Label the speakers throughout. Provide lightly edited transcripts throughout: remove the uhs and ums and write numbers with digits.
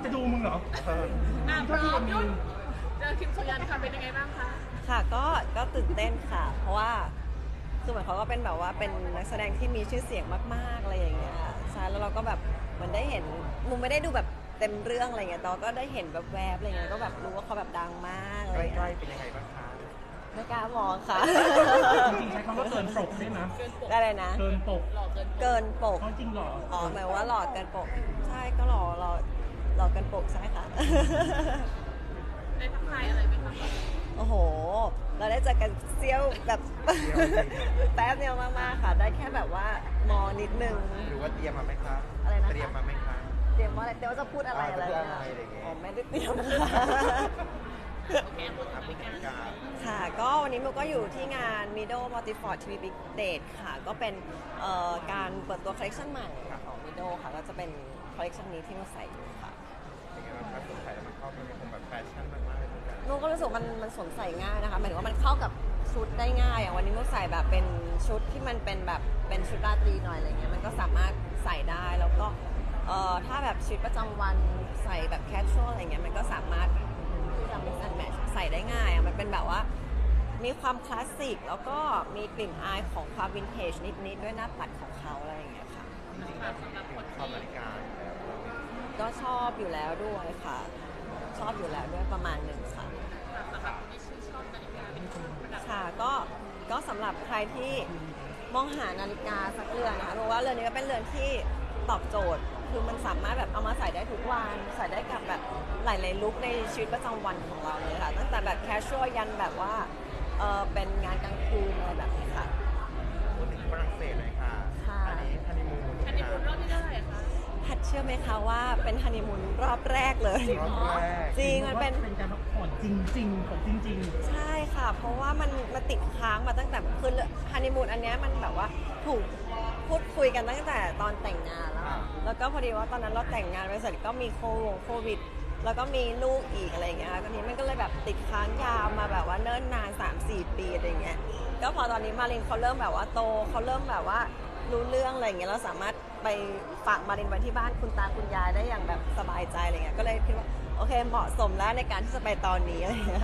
Speaker 1: จะดูมึงเหรอ
Speaker 2: พร้อมยุ่นเจอคิมโซยันค่ะเป็นยังไงบ้างคะ
Speaker 3: ค่ะก็ตื่นเต้นค่ะเพราะว่าคือเหมือนเขาก็เป็นแบบว่าเป็นนักแสดงที่มีชื่อเสียงมากๆอะไรอย่างเงี้ยใช่แล้วเราก็แบบเหมือนได้เห็นมุมไม่ได้ดูแบบเต็มเรื่องอะไรเงี้ยแต่ก็ได้เห็นแบบแวบอะไรเงี้ยก็แบบรู้ว่าเขาแบบดังมากอะไรเงี้ย
Speaker 4: ใกล้ๆเป็นยังไงบ้างคะ
Speaker 3: ไม่กล้ามองค่ะ
Speaker 1: จริงๆใช้คำว่าเกินปกได้นะ
Speaker 3: ได้เลยนะ
Speaker 1: เกินปก
Speaker 3: เกินปก
Speaker 1: จริงหรอ
Speaker 3: อ๋อหมายว่าหลอดเกินปกใช่ก็หลอดเกินปกใช่ค่ะ
Speaker 2: ได้ทักทายอะไรไหมคะ
Speaker 3: โอ้โหเราได้เจอกันเซี่ยวแบบแป๊บเดียวมากๆค่ะได้แค่แบบว่ามอนิดนึง
Speaker 4: หรือว่าเตรียมมาไหมคะ
Speaker 3: อะไรนะ
Speaker 4: เตรียมมาไหมคะ
Speaker 3: เตรียมว่าอะไรเตรียมว่าจะพูดอะไรอะไรอ๋อไม่ได้เตรียมค่ะ
Speaker 2: โอเคพูดถึงรายการ
Speaker 3: ค่ะก็วันนี้มิวก็อยู่ที่งาน Mido Multifort TV Big Date ค่ะก็เป็นการเปิดตัวคอลเลคชันใหม่ของ Mido ค่ะก็จะเป็นคอลเลคชันนี้ที่มิวใส่อยู่ค่ะ
Speaker 4: เป็นไงบ้างครับใส่แล้วมันเข้ากันคงแบบแฟชั่นมากๆเลยเหมือนกัน
Speaker 3: มิวก็รู้สึกมันสวมใส่ง่ายนะคะหมายถึงว่ามันเข้ากับชุดได้ง่ายอย่างวันนี้มิวใส่แบบเป็นชุดที่มันเป็นแบบเป็นชุดราตรีหน่อยอะไรเงี้ยมันก็สามารถใส่ได้แล้วก็ถ้าแบบชีวิตประจำวันใส่แบบแคชชวลอะไรเงี้ยมันก็สามารถที่จะ mix and match ใส่ได้ง่ายมันเป็นแบบว่ามีความคลาสสิกแล้วก็มีกลิ่นอายของความวินเทจนิดๆด้วยหน้าปัดของเขาอะไรอย่างเงี้ยค่ะ
Speaker 4: จริงๆแล้วชอบนาฬิกาอยู่แล้ว
Speaker 3: ก็ชอบอยู่แล้วด้วยค่ะชอบอยู่แล้วด้วยประมาณหนึ่งค่ะ
Speaker 2: สำหรับคนที่ชื่นชอบนาฬิกาเป็นคนประดับ
Speaker 3: ค่ะก็สำหรับใครที่มองหานาฬิกาสักเรือนนะคะเพราะว่าเรือนนี้ก็เป็นเรือนที่ตอบโจทย์คือมันสามารถแบบเอามาใส่ได้ทุกวันใส่ได้กับแบบหลายๆลุคในชีวิตประจำวันของเราเลยค่ะตั้งแต่แบบแคชชวลยันแบบว่าเป็นงานกลางคืนอะไรแบบนี้ค่ะ
Speaker 4: พูดถึงฝรั่งเศสหน่อยค่ะอันนี้ฮันนีมูน
Speaker 2: รอบที่เท่าไหร่คะ
Speaker 3: พัดเชื่อไหมคะว่าเป็นฮันนีมูนรอบแรกเลยจริงมันเป็น
Speaker 1: การพักผ่อนจริงๆของจริง
Speaker 3: ใช่ค่ะเพราะว่ามันติดค้างมาตั้งแต่คือฮันนีมูนอันนี้มันแบบว่าถูกพูดคุยกันตั้งแต่ตอนแต่งงานแล้วก็พอดีว่าตอนนั้นเราแต่งงานไปเสร็จก็มีโควิดแล้วก็มีลูกอีกอะไรเงี้ยตอนนี้มันก็เลยแบบติดค้างยาวมาแบบว่าเนิ่นนาน 3-4 ปีอะไรเงี้ยก็พอตอนนี้มารินเขาเริ่มแบบว่าโตเขาเริ่มแบบว่ารู้เรื่องอะไรเงี้ยเราสามารถไปฝากมารินไว้ที่บ้านคุณตาคุณยายได้อย่างแบบสบายใจอะไรเงี้ยก็เลยคิดว่าโอเคเหมาะสมแล้วในการที่จะไปตอนนี้อะไรเงี้ย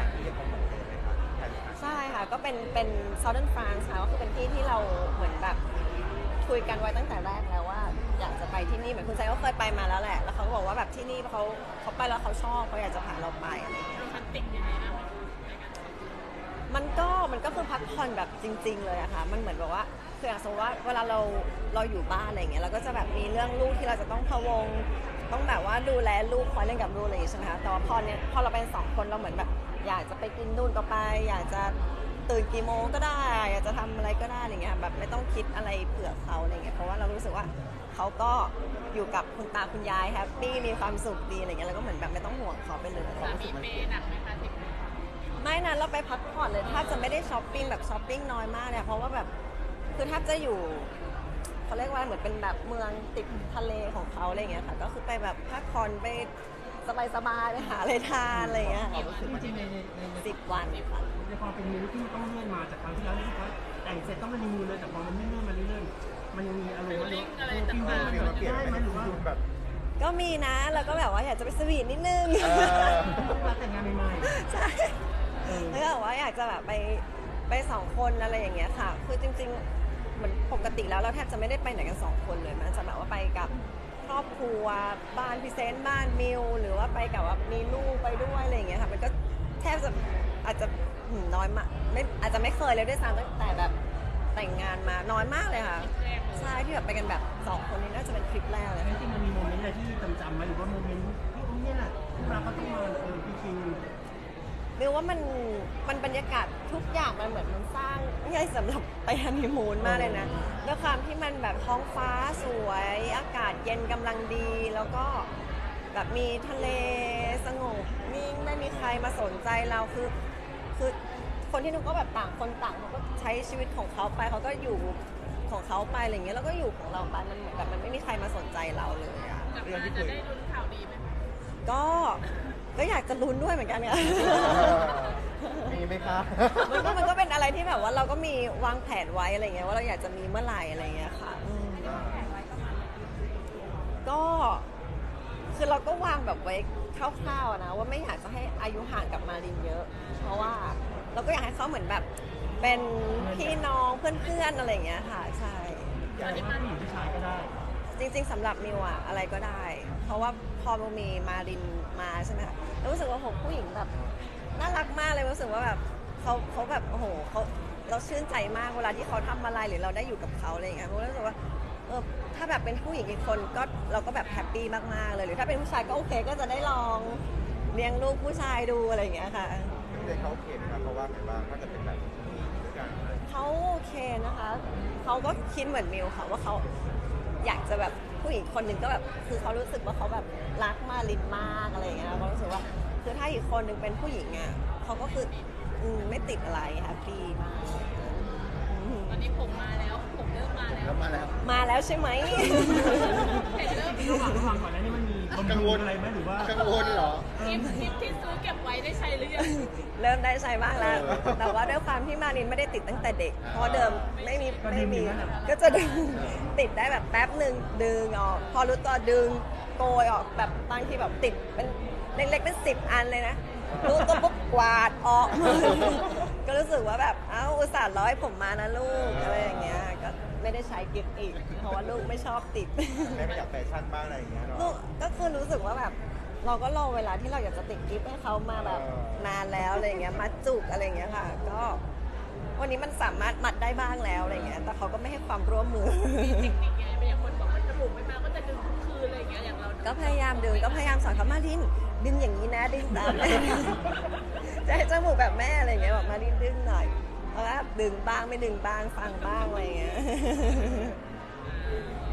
Speaker 3: ใช่ค่ะก็เป็น Southern France ค่ะก็คือเป็นที่ที่เราเหมือนแบบคุยกันไว้ตั้งแต่แรกแล้วว่าอยากจะไปที่นี่เหมือนคุณไซก็เคยไปมาแล้วแหละแล้วเขาก็บอกว่าแบบที่นี่เขาไปแล้วเขาชอบเขาอยากจะพาเราไปอะไรเงี้ย
Speaker 2: โรแมนติกยังไงนะ
Speaker 3: มันก็คือพักผ่อนแบบจริงๆเลยอะค่ะมันเหมือนแบบว่าคืออย่างสมมติว่าเวลาเราอยู่บ้านอะไรเงี้ยเราก็จะแบบมีเรื่องลูกที่เราจะต้องพะวงต้องแบบว่าดูแลลูกคอยเล่นกับลูกอะไรอย่างเงี้ยใช่ไหมคะแต่ว่าพอเราเป็น2 คนเราเหมือนแบบอยากจะไปกินนู่นก็ไปอยากจะตื่นกี่โมงก็ได้อยากจะทำอะไรก็ได้อะไรเงี้ยแบบไม่ต้องคิดอะไรเผื่อเขาอะไรเงี้ยเพราะว่าเรารู้สึกว่าเขาก็อยู่กับคุณตาคุณยายแฮปปี้มีความสุขดีอะไรเงี้ยแล้วก็เหมือนแบบไม่ต้องห่วงเขาไปเลย
Speaker 2: สามีเปย์หนักไหมคะทิพย์
Speaker 3: ไม่นะเราไปพักผ่อนเลยถ้าจะไม่ได้ช้อปปิ้งแบบช้อปปิ้งน้อยมากเนี่ยเพราะว่าแบบคือถ้าจะอยู่เขาเรียกว่าเหมือนเป็นแบบเมืองติดทะเลของเขาอะไรเงี้ยค่ะก็คือไปแบบพักผ่อนไปสบายๆไปหาอะไรทานอะไรเงี้ย
Speaker 1: จริงๆใน
Speaker 3: 10 วันค่ะ
Speaker 1: ในความเป็นมูที่ต้องเลื่อนมาจากครั้งที่แล้วรู้สึกว่าแต่งเสร็จต้องมันมีมูเลยแต่พอมันเลื่อนมาเรื่อยๆมันยังมีอารมณ์
Speaker 2: อะไรต่างๆ
Speaker 1: ได้ไหมหรือว่า
Speaker 4: แบบ
Speaker 3: ก็มีนะแล้วก็แบบว่าอยากจะไปสวีทนิดนึง
Speaker 1: แต่งงานใหม่
Speaker 3: ๆใช่แล้วก็แบบว่าอยากจะแบบไป2 คนอะไรอย่างเงี้ยค่ะคือจริงๆเหมือนปกติแล้วเราแทบจะไม่ได้ไปไหนกัน2 คนเลยมันจะแบบว่าไปกับครอบครัวบ้านพิเศษบ้านมิวหรือว่าไปกับว่ามีลูกไปด้วยอะไรอย่างเงี้ยค่ะมันก็แทบจะอาจจะน้อยมากไม่อาจจะไม่เคยเลยด้วยซ้ำตั้งแต่แบบแต่งงานมาน้อยมากเลยค่ะใช่ที่แบบไปกันแบบ2 คนนี้น่าจะเป็นทริปแรกเลย
Speaker 1: จริงๆมันมีโมเมนต์อะไรที่จำไหมหรือว่าโมเมนต์ที่นี่แหละที่เราก็ต้องมาพี่คิง
Speaker 3: มิวว่ามันบรรยากาศทุกอย่างมันเหมือนมันสร้างง่ายสำหรับไปฮันนีมูนมากเลยนะด้วยความที่มันแบบท้องฟ้าสวยอากาศเย็นกำลังดีแล้วก็แบบมีทะเลสงบนิ่งไม่มีใครมาสนใจเราคือคนที่นู้นก็แบบต่างคนต่างเขาก็ใช้ชีวิตของเขาไปเขาก็อยู่ของเขาไปอะไรเงี้ยแล้วก็อยู่ของเราไปมันเหมือนแบบมันไม่มีใครมาสนใจเราเลยอะ
Speaker 2: กลับมาจะได้ลุ้นข่าวดีไหม
Speaker 3: ก็อยากจะลุ้นด้วยเหมือนกันค่ะ
Speaker 4: มีไหมคะ
Speaker 3: มันก็เป็นอะไรที่แบบว่าเราก็มีวางแผนไว้อะไรเงี้ยว่าเราอยากจะมีเมื่อไหร่อะไรเงี้ยค่ะก็คือเราก็วางแบบไว้คร่าวๆนะว่าไม่อยากจะให้อายุห่างกับมารินเยอะ เพราะว่าเราก็อยากให้เขาเหมือนแบบเป็นพี่น้องเพื่อนๆอะไรอย่างเงี้ยค่ะใช่
Speaker 1: อยากให้ผู้หญิงผู้ชายก็ได้
Speaker 3: จริงๆสำหรับมิวอะอะไรก็ได้ เพราะว่าพอมิวมีมารินมาใช่ไหมคะแล้วรู้สึกว่าโหผู้หญิงแบบน่ารักมากเลยรู้สึกว่าแบบเขาแบบโอ้โหเราชื่นใจมากเวลาที่เขาทำอะไรหรือเราได้อยู่กับเขาอะไรอย่างเงี้ยมิวรู้สึกว่าถ้าแบบเป็นผู้หญิงอีกคนก็เราก็แบบแฮปปี้มากๆเลยหรือถ้าเป็นผู้ชายก็โอเคก็จะได้ลองเลี้ยงลูกผู้ชายดูอะไรอย่างเงี้ยค่ะ
Speaker 4: เด็กเขาโอเคไหมครับเพราะว่าไงบ้างถ้าจะเป็นแบบนี้ด้วยกัน
Speaker 3: เขาโอเคนะคะเขาก็คิดเหมือนมิวค่ะว่าเขาอยากจะแบบผู้หญิงคนหนึ่งก็แบบคือเขารู้สึกว่าเขาแบบรักมารินมากอะไรอย่างเงี้ยเขารู้สึกว่าคือถ้าอีกคนหนึ่งเป็นผู้หญิงอ่ะเขาก็คือไม่ติดอะไรแฮปปี้มาก
Speaker 2: ตอนนี้ผมมาแล้วผมเริ่มมาแล้ว
Speaker 4: แล้วมาแล้ว
Speaker 3: มาแล้วใช่ไหม
Speaker 2: เห็นเริ่ม
Speaker 1: ระหว่างก่อนหน้านี้มันมีบำรุงอะไรไหมหรือว่า
Speaker 4: กังวลเหรอ
Speaker 2: คลิปที่ซื้อเก็บไว้ได้ใช้หรือยัง
Speaker 3: เริ่มได้ใช้บ้างแล้ว แต่ว่าด้วยความที่มารินไม่ได้ติดตั้งแต่เด็ก เพราะเดิมไม่มีก็จะดึงติดได้แบบแป๊บหนึ่งดึงออก พอรู้ตัวดึงโกยออกแบบบางทีแบบติดเป็นเล็กๆเป็น10 อันเลยนะ รู้ตัวปุ๊บกวาดออกหมดก็รู้สึกว่าแบบเอ้าอุตส่าห์ร้อยผมมานะลูกอะไรอย่างเงี้ย ก็ไม่ได้ใช้กิฟต์อีก เพราะว่าลูกไม่ชอบติด
Speaker 4: แม่ไม่อยากแฟชั่นบ้างอะไรอย่างเงี้ยเนาะ
Speaker 3: ลูกก็คือรู้สึกว่าแบบเราก็รอเวลาที่เราอยากจะติดกิฟต์ให้เขามาแบบนานแล้วอะไรอย่างเงี้ยมัดจุกอะไรอย่างเงี้ยค่ะ ก็วันนี้มันสามารถมัดได้บ้างแล้วอะไรอย่างเงี้ยแต่เขาก็ไม่ให้ความร่วมมือ
Speaker 2: มีเทคนิคไงเป็นอย่างคนบอกว่าจมูกไม่มาก็จะดึงทุกคืนอะไรอย่างเงี้ยอย่างเรา
Speaker 3: ก็พยายามดึงก็พยายามสอนเขามาดินดึงอย่างนี้นะดึงตามแม่ จะให้จมูกแบบแม่อะไรอย่างเงี้ยบอกมาดินดึงหน่อยเพราะว่าดึงบ้างไม่ดึงบ้างฟังบ้างอะไรอย่างเงี้ย
Speaker 2: โ